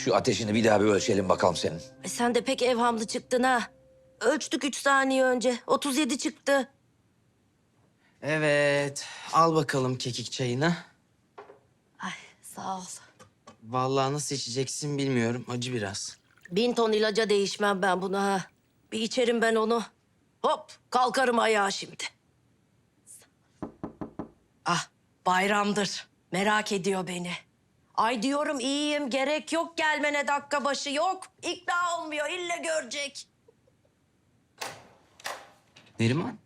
Şu ateşini bir daha bir ölçelim bakalım senin. Sen de pek evhamlı çıktın ha. Ölçtük 3 saniye önce. 37 çıktı. Evet. Al bakalım kekik çayını. Ay sağ ol. Vallahi nasıl içeceksin bilmiyorum. Acı biraz. 1000 ton ilaca değişmem ben bunu ha. Bir içerim ben onu. Hop kalkarım ayağa şimdi. Ah bayramdır. Merak ediyor beni. Ay diyorum iyiyim gerek yok gelmene dakika başı yok. İkna olmuyor ille görecek. Neriman.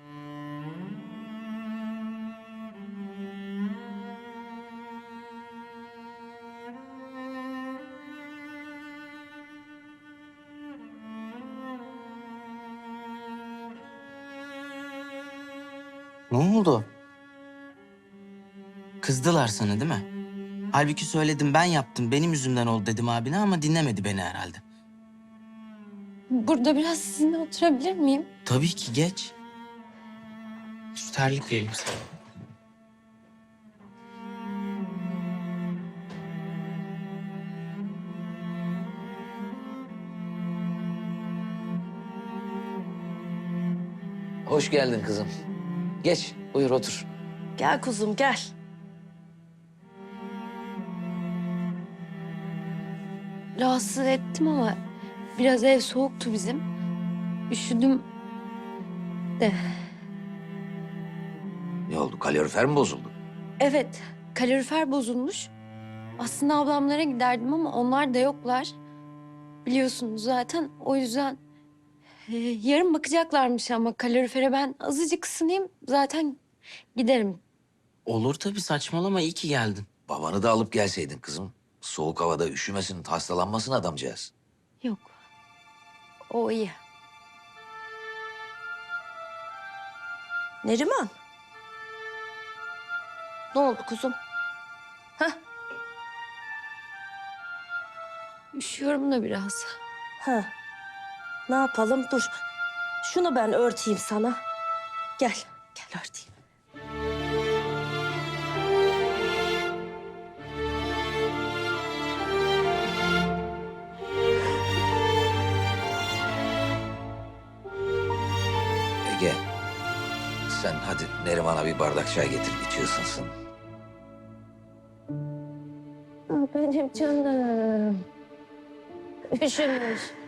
Ne oldu? Kızdılar sana değil mi? Halbuki söyledim ben yaptım, benim yüzümden oldu dedim abine ama dinlemedi beni herhalde. Burada biraz sizinle oturabilir miyim? Tabii ki geç. Şu terlik vereyim sana. Hoş geldin kızım. Geç, buyur otur. Gel kuzum gel. Rahatsız ettim ama biraz ev soğuktu bizim. Üşüdüm de. Ne oldu, kalorifer mi bozuldu? Evet, kalorifer bozulmuş. Aslında ablamlara giderdim ama onlar da yoklar. Biliyorsunuz zaten o yüzden yarın bakacaklarmış ama kalorifere ben azıcık ısınayım zaten giderim. Olur tabii, saçmalama, iyi ki geldin. Babanı da alıp gelseydin kızım. Soğuk havada üşümesin, hastalanmasın adamcağız. Yok, o iyi. Neriman. Ne oldu kuzum? Hah? Üşüyorum da biraz. Ha. Ne yapalım? Dur. Şunu ben örteyim sana. Gel. Gel örteyim. Ege, sen hadi Neriman'a bir bardak çay getir, içi ısınsın. Benim canım. Üşümüş.